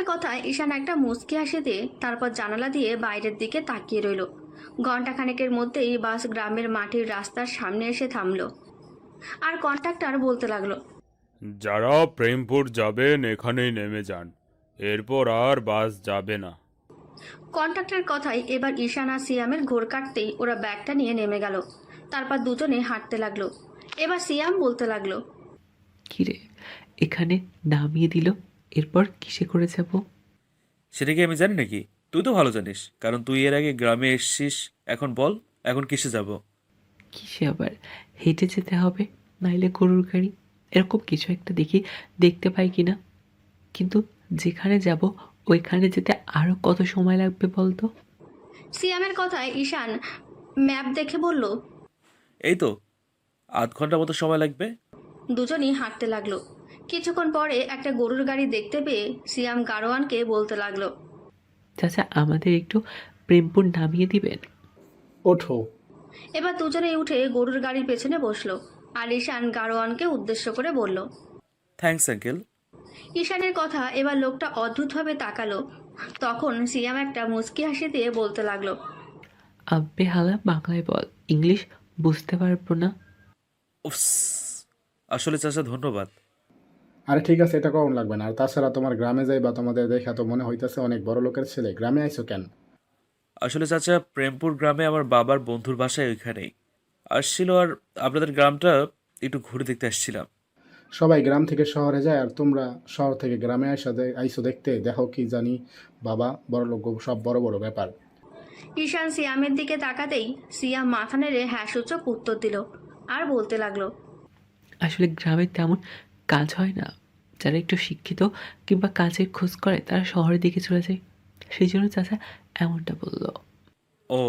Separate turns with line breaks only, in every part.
কথায় ঈশান একটা মুচকি হাসি দিয়ে তারপর জানালা দিয়ে বাইরের দিকে তাকিয়ে রইল। ঘণ্টাখানেকের মধ্যেই বাস গ্রামের মাটির রাস্তার সামনে এসে থামলো। আর কন্ট্রাক্টর বলতে লাগলো,
যারা প্রেমপুর যাবেন এখানেই নেমে যান, এরপর আর বাস যাবে না।
কন্ট্রাক্টরের কথায় এবার ঈশান আর সিয়ামের ঘোর কাটতেই ওরা ব্যাগটা নিয়ে নেমে গেল। তারপর দুজনে হাঁটতে লাগলো। এবার সিয়াম বলতে লাগলো,
কিরে, এখানে নামিয়ে দিল, এরপর কিসে করে যাব?
সেটা কি আমি জানি নাকি? তুই তো ভালো জানিস, কারণ তুই এর আগে গ্রামে এসছিস। এখন বল, এখন কিসে যাব?
কিসে আবার? হেঁটে যেতে হবে, নাইলে গরুর গাড়ি, এরকম কিছু একটা দেখতে পাই কিনা। কিন্তু যেখানে যাব ওইখানে যেতে আরো কত সময় লাগবে বলতো?
সিয়ামের কথায় ঈশান ম্যাপ দেখে বলল,
এই তো 0.5 ঘন্টা মতো সময় লাগবে।
দুজনই হাঁটতে লাগলো। কিছুক্ষণ পরে একটা গরুর গাড়ি দেখতে পেয়ে সিয়াম গাড়োয়ানকে বলতে লাগলো,
চাচা, আমাদের একটু প্রেমপুর নামিয়ে দিবেন?
ওঠো।
এবার দুজনেই উঠে গরুর গাড়ির পেছনে বসলো। আর ঈশান গাড়োয়ানকে উদ্দেশ্য করে বলল,
থ্যাঙ্কস আঙ্কেল।
ঈশানের কথা এবার লোকটা অদ্ভুতভাবে তাকালো। তখন সিয়াম একটা মুচকি হাসি দিয়ে বলতে লাগলো,
আব্বে হালা বাংলায় বল, ইংলিশ বুঝতে পারবো না।
উফস, আসলে চাচা ধন্যবাদ।
আরে ঠিক আছে, এটা কম লাগবে না। আর তাছাড়া তোমার গ্রামে যাই বা তোমাদের দেখা তো মনে হইতেছে অনেক বড় লোকের ছেলে, গ্রামে আইছো কেন?
আসলে চাচা, প্রেমপুর গ্রামে আমার বাবার বন্ধুর বাসায় ওইখানেই আসছিল, আর আপনাদের গ্রামটা একটু ঘুরে দেখতে আসছিলাম।
সবাই গ্রাম থেকে শহরে যায় আর তোমরা শহর থেকে গ্রামে আইসো দেখতে, দেখো কি জানি বাবা, বড় লোক সব বড় বড় ব্যাপার।
ঈশান সিয়ামের দিকে তাকাতেই সিয়াম মাথা নেড়ে হ্যাঁ সূচক উত্তর দিল। আর বলতে লাগলো,
আসলে গ্রামে তেমন কাজ হয় না। যারা একটু শিক্ষিত কিংবা কাজের খোঁজ করে তারা শহরের দিকে চলে যায়, সেই জন্য চাচা এমনটা বললো।
ও,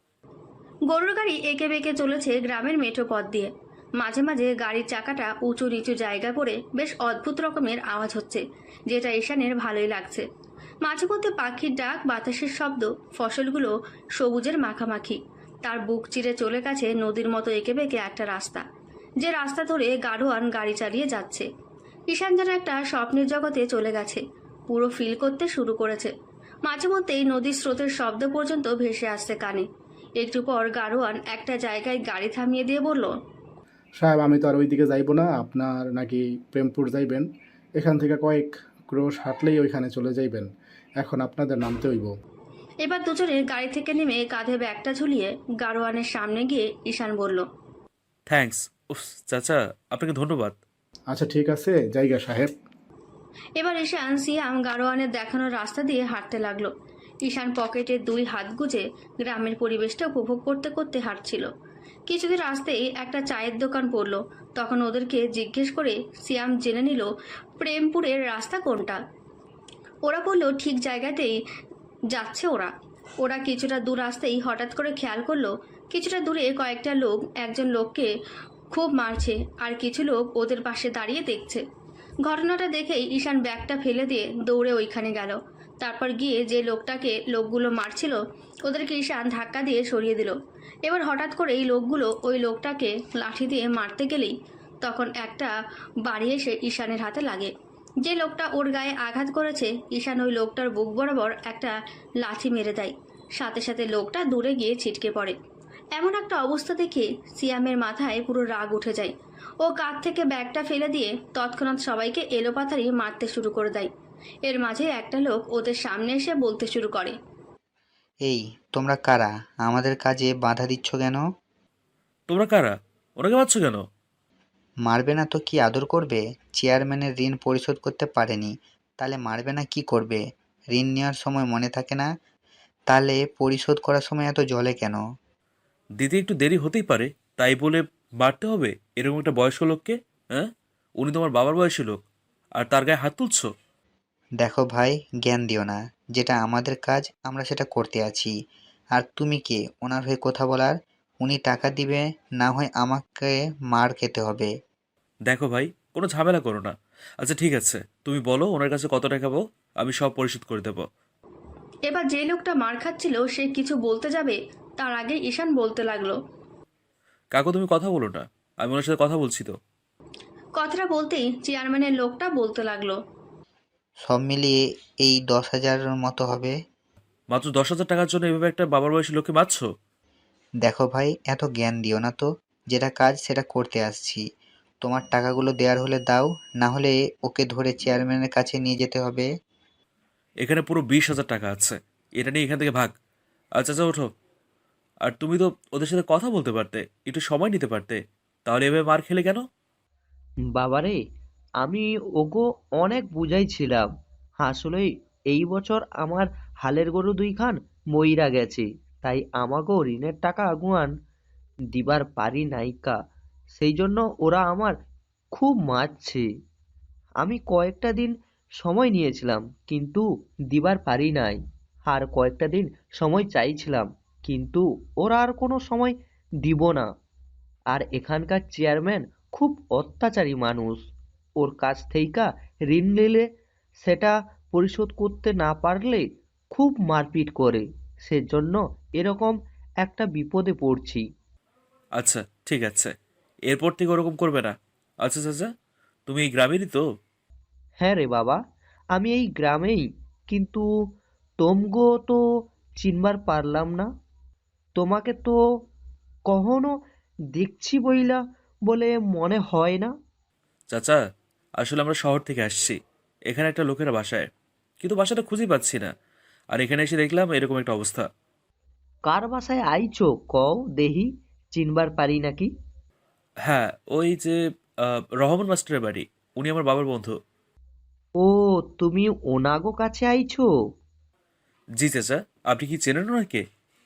গরুর গাড়ি এঁকে বেঁকে চলেছে গ্রামের মেঠো পথ দিয়ে। মাঝে মাঝে গাড়ির চাকাটা উঁচু নিচু জায়গায় পড়ে বেশ অদ্ভুত রকমের আওয়াজ হচ্ছে, যেটা ঈশানের ভালোই লাগছে। মাঝে মধ্যে পাখির ডাক, বাতাসের শব্দ, ফসলগুলো সবুজের মাখামাখি। তার বুক চিরে চলে গেছে নদীর মতো এঁকে বেঁকে একটা রাস্তা, যে রাস্তা ধরে গাড়োয়ান গাড়ি চালিয়ে যাচ্ছে। ঈশান যেন একটা স্বপ্নের জগতে চলে গেছে, পুরো ফিল করতে শুরু করেছে। মাঝে মধ্যেই নদীর স্রোতের শব্দ পর্যন্ত ভেসে আসছে কানে। একটু পর গাড়োয়ান একটা জায়গায় গাড়ি থামিয়ে দিয়ে বলল,
সাহেব, আমি তো আর ওইদিকে যাইবো না। আপনার নাকি প্রেমপুর যাইবেন? এখান থেকে কয়েক ক্রোশ হাঁটলেই ওইখানে চলে যাইবেন। এখন আপনাদের নামতে হইব।
এবার দুজনে গাড়ি থেকে নেমে কাঁধে ব্যাগটা ঝুলিয়ে গাড়োয়ানের সামনে গিয়ে ঈশান বলল,
থ্যাঙ্কস। উফ চাচা, আপনাকে ধন্যবাদ।
আচ্ছা ঠিক আছে, জায়গা সাহেব।
এবার ঈশান সিয়াম গাড়োয়ানের দেখানো রাস্তা দিয়ে হাঁটতে লাগলো। ঈশান পকেটে দুই হাত গুজে গ্রামের পরিবেশটা উপভোগ করতে করতে হাঁটছিল। কিছুদিন আসতেই একটা চায়ের দোকান পড়লো। তখন ওদেরকে জিজ্ঞেস করে সিয়াম জেনে নিল প্রেমপুরের রাস্তা কোনটা। ওরা বললো ঠিক জায়গাতেই যাচ্ছে ওরা। ওরা কিছুটা দূর আসতেই হঠাৎ করে খেয়াল করলো কিছুটা দূরে কয়েকটা লোক একজন লোককে খুব মারছে, আর কিছু লোক ওদের পাশে দাঁড়িয়ে দেখছে। ঘটনাটা দেখেই ঈশান ব্যাগটা ফেলে দিয়ে দৌড়ে ওইখানে গেল। তারপর গিয়ে যে লোকটাকে লোকগুলো মারছিল ওদেরকে ঈশান ধাক্কা দিয়ে সরিয়ে দিল। এবার হঠাৎ করে এই লোকগুলো ওই লোকটাকে লাঠি দিয়ে মারতে গেলেই তখন একটা বাড়ি এসে ঈশানের হাতে লাগে। যে লোকটা ওর গায়ে আঘাত করেছে ঈশান ওই লোকটার বুক বরাবর একটা লাথি মেরে দেয়। সাথে সাথে লোকটা দূরে গিয়ে ছিটকে পড়ে। এমন একটা অবস্থা দেখে সিয়ামের মাথায় পুরো রাগ উঠে যায়। ও কাঁধ থেকে ব্যাগটা ফেলে দিয়ে তৎক্ষণাৎ সবাইকে এলোপাতাড়ি মারতে শুরু করে দেয়। এর মাঝে একটা লোক ওদের সামনে এসে বলতে শুরু করে,
এই, তোমরা কারা? আমাদের কাজে বাধা দিচ্ছ কেন?
তোমরা কারা? ওনাকে মারছো কেন?
মারবে না তো কি আদর করবে? চেয়ারম্যানের ঋণ পরিশোধ করতে পারেনি, তাহলে মারবে না কি করবে? ঋণ নেওয়ার সময় মনে থাকে না? তাহলে পরিশোধ করার সময় এত জলে কেন?
দিতে একটু দেরি হতেই পারে, তাই বলে মারতে হবে এরকম একটা বয়স্ক লোককে? হ্যাঁ, উনি তোমার বাবার বয়সী লোক, আর তার গায়ে হাত তুলছো?
দেখো ভাই, জ্ঞান দিও না। যেটা আমাদের কাজ আমরা সেটা করতে আছি। আর তুমি কে ওনার হয়ে কথা বলার? উনি টাকা দিবে, না হয় আমাকে মার খেতে হবে।
দেখো ভাই, কোনো ঝামেলা করো না। আচ্ছা ঠিক আছে, তুমি বলো ওনার কাছে কত টাকা পাবো, আমি সব পরিশোধ করে দেবো।
এবার যে লোকটা মার খাচ্ছিল সে কিছু বলতে যাবে তার আগে ঈশান বলতে লাগলো,
কাকু তুমি কথা বলো না, আমি ওনার সাথে কথা বলছি তো।
কথাটা বলতেই চেয়ারম্যানের লোকটা বলতে লাগলো,
সব মিলিয়ে এই 10,000-এর মতো হবে।
মাত্র 10,000 টাকার জন্য এভাবে একটা বাবার বয়সী লোককে মারছো?
দেখো ভাই, এত জ্ঞান দিও না তো। যেটা কাজ সেটা করতে আসছি। তোমার টাকাগুলো দেওয়ার হলে দাও, না হলে ওকে ধরে চেয়ারম্যানের কাছে নিয়ে যেতে হবে।
এখানে পুরো 20,000 টাকা আছে, এটা নিয়ে এখান থেকে ভাগ। আচ্ছা আচ্ছা, ওঠো। আর তুমি তো ওদের সাথে কথা বলতে পারতে, একটু সময় নিতে পারতে, তাহলে এভাবে মার খেলে কেন?
বাবারে, আমি ওগো অনেক বুঝাইছিলাম। আসলে এই বছর আমার হালের গরু দুইখান মইরা গেছে, তাই আমাগো ঋণের টাকা আগুয়ান দিবার পারি নাইকা। সেই জন্য ওরা আমার খুব মারছে। আমি কয়েকটা দিন সময় নিয়েছিলাম, কিন্তু দিবার পারি নাই। আর কয়েকটা দিন সময় চাইছিলাম, কিন্তু ওরা আর কোনো সময় দিব না। আর এখানকার চেয়ারম্যান খুব অত্যাচারী মানুষ। ওর কাছ থেইকা ঋণ নিলে সেটা পরিশোধ করতে না পারলে খুব মারপিট করে। সেজন্য এরকম একটা বিপদে পড়ছি।
আচ্ছা, ঠিক আছে, এরপর থেকে ওরকম করবে না। আচ্ছা চাচা, তুমি এই গ্রামেরই তো?
হ্যাঁ রে বাবা, আমি এই গ্রামেই। কিন্তু তোমগো তো চিনবার পারলাম না। তোমাকে তো কখনো দেখছি বইলা বলে মনে হয় না।
চাচা, আসলে আমরা শহর থেকে আসছি, এখানে একটা লোকের বাসায়, কিন্তু বাসাটা খুঁজেই পাচ্ছি না। আর এখানে এসে দেখলাম এরকম একটা অবস্থা।
কার বাসায় আইছো কও দেহি, চিনবার পারি নাকি?
হ্যাঁ, ওই যে রহমান মাস্টারের বাড়ি, উনি আমার বাবার বন্ধু।
ও, তুমি ওনাগো কাছে আইছো?
জি চাচা, আপনি কি চেনেন ওনাকে?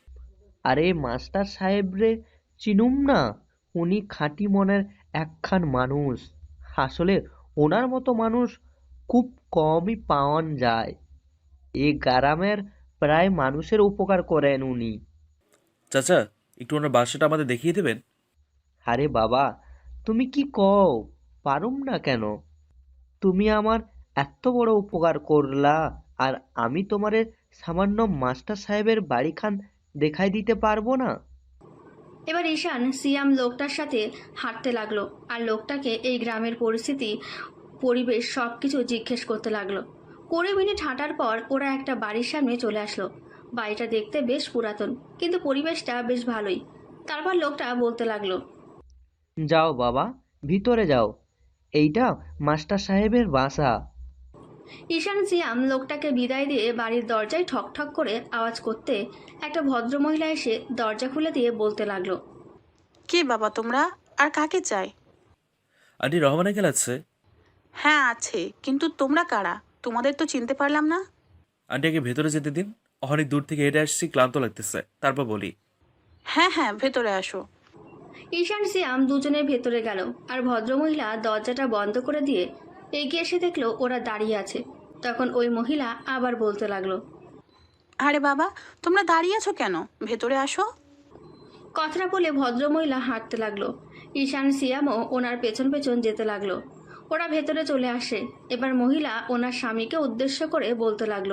আরে মাস্টার সাহেব রে, চিনুম না। উনি খাঁটি মনের একখান মানুষ। আসলে ওনার মতো মানুষ খুব কমই পাওয়ান যায়। এ গ্রামের প্রায় মানুষের উপকার করেন উনি।
চাচা, একটু ওনার বাসাটা আমাদের দেখিয়ে দেবেন?
আরে বাবা, তুমি কি কও? পারুম না কেন? তুমি আমার এত বড় উপকার করলা, আর আমি তোমারে সামান্য মাস্টার সাহেবের বাড়িখান দেখাই দিতে পারবো না?
এবার ঈশান সিয়াম লোকটার সাথে হাঁটতে লাগলো আর লোকটাকে এই গ্রামের পরিস্থিতি, পরিবেশ সব কিছু জিজ্ঞেস করতে লাগলো। 20 মিনিট হাঁটার পর ওরা একটা বাড়ির সামনে চলে আসলো। বাড়িটা দেখতে বেশ পুরাতন, কিন্তু পরিবেশটা বেশ ভালোই। তারপর লোকটা বলতে লাগলো,
যাও বাবা, ভিতরে যাও। এইটা মাস্টার সাহেবের বাসা।
ঈশান সিয়াম লোকটাকে বিদায় দিয়ে বাড়ির দরজায় ঠক ঠক করে আওয়াজ করতে একটা ভদ্রমহিলা এসে দরজা খুলে দিয়ে বলতে লাগলো,
কে বাবা তোমরা? আর কাকে চাই?
আন্টি, রহমান আঙ্কেল আছে?
হ্যাঁ আছে, কিন্তু তোমরা কারা? তোমাদের তো চিনতে পারলাম না।
আন্টি, আগে ভেতরে যেতে দিন। অনেক দূর থেকে হেঁটে আসছি, ক্লান্ত লাগতেছে, তারপর বলি।
হ্যাঁ হ্যাঁ, ভেতরে আসো।
ঈশান সিয়াম দুজনে ভেতরে গেল আর ভদ্রমহিলা দরজাটা বন্ধ করে দিয়ে এগিয়ে এসে দেখলো ওরা দাঁড়িয়ে আছে। তখন ওই মহিলা আবার বলতে লাগলো,
আরে বাবা, তোমরা দাঁড়িয়ে আছো কেন? ভেতরে আসো।
কথাটা বলে ভদ্রমহিলা হাঁটতে লাগলো। ঈশান সিয়ামও ওনার পেছন পেছন যেতে লাগলো। ওরা ভেতরে চলে আসে। এবার মহিলা ওনার স্বামীকে উদ্দেশ্য করে বলতে লাগলো,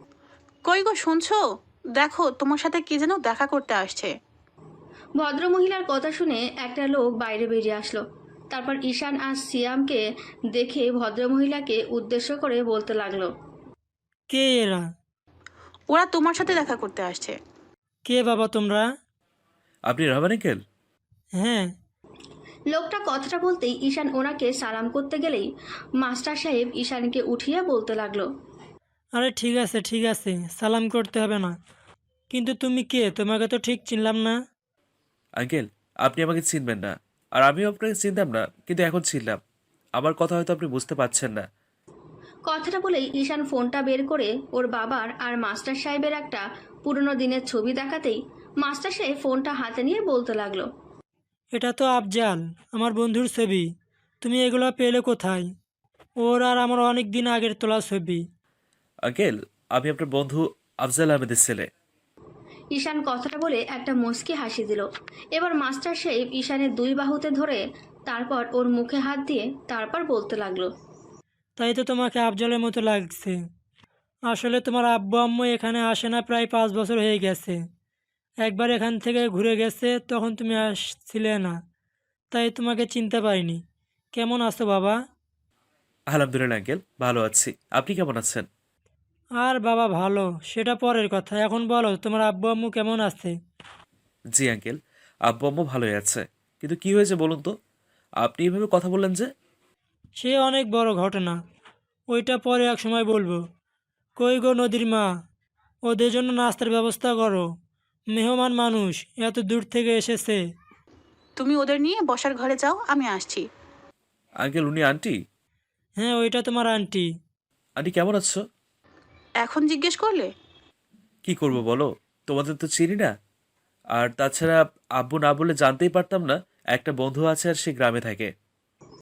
কই গো, শুনছো? দেখো, তোমার সাথে কে যেন দেখা করতে আসছে।
ভদ্রমহিলার কথা শুনে একটা লোক বাইরে বেরিয়ে আসলো। তারপর ঈশান আর সিয়ামকে দেখে ভদ্রমহিলাকে উদ্দেশ্য করে বলতে লাগলো,
কে এরা?
ওরা তোমার সাথে দেখা করতে আসছে।
কে বাবা তোমরা?
আপনি রহমান আঙ্কেল?
হ্যাঁ।
লোকটা কথাটা বলতেই ঈশান ওনাকে সালাম করতে গেলেই মাস্টার সাহেব ঈশানকে উঠিয়ে বলতে লাগলো,
আরে ঠিক আছে ঠিক আছে, সালাম করতে হবে না। কিন্তু তুমি কে? তোমাকে তো ঠিক চিনলাম না।
আঙ্কেল, আপনি আমাকে চিনবেন না, আর আমিও আপনাকে চিনতাম না, কিন্তু এখন চিনলাম। আমার কথা হয়তো আপনি বুঝতে পারছেন না।
কথাটা বলেই ঈশান ফোনটা বের করে ওর বাবার আর মাস্টার সাহেবের একটা পুরনো দিনের ছবি দেখাতেই মাস্টার সাহেব ফোনটা হাতে নিয়ে বলতে লাগলো,
এটা তো আফজাল, আমার বন্ধুর ছবি। তুমি এগুলো পেলে কোথায়? ওর আর আমার অনেক দিন আগের তোলা ছবি।
আঙ্কেল, আমি আপনার বন্ধু আফজাল আহমেদের ছেলে।
ঈশান কথাটা বলে একটা মুচকি হাসি দিল। এবার মাস্টার সাহেব ঈশানের দুই বাহুতে ধরে তারপর ওর মুখে হাত দিয়ে তারপর বলতে লাগলো,
তাই তো তোমাকে আফজালের মতো লাগছে। আসলে তোমার আব্বু আম্মু এখানে আসে না প্রায় 5 বছর হয়ে গেছে। একবার এখান থেকে ঘুরে গেছে, তখন তুমি আসছিলে না, তাই তোমাকে চিনতে পারিনি। কেমন আছো বাবা?
আলহামদুলিল্লাহ আঙ্কেল, ভালো আছি। আপনি কেমন আছেন?
আর বাবা ভালো, সেটা পরের কথা। এখন বলো তোমার আব্বু আম্মু কেমন আছে?
জি আঙ্কেল, আব্বু আম্মু ভালোই আছে। কিন্তু কি হয়েছে বলুন তো? আপনি এভাবে কথা বললেন যে?
সে অনেক বড় ঘটনা, ওইটা পরে এক সময় বলবো। কই গো নদীর মা, ওদের জন্য নাস্তার ব্যবস্থা করো। মেহমান মানুষ এত দূর থেকে এসেছে।
তুমি ওদের নিয়ে বসার ঘরে যাও, আমি আসছি।
আঙ্কেল, উনি আন্টি?
হ্যাঁ, ওইটা তোমার আন্টি।
আন্টি কেমন আছো?
এখন জিজ্ঞেস করলে?
কি করব বলো, তোমাদের তো চিনি না। আর তাছাড়া আব্বু না বলে জানতেই পারতাম না একটা বন্ধু আছে আর সে গ্রামে থাকে।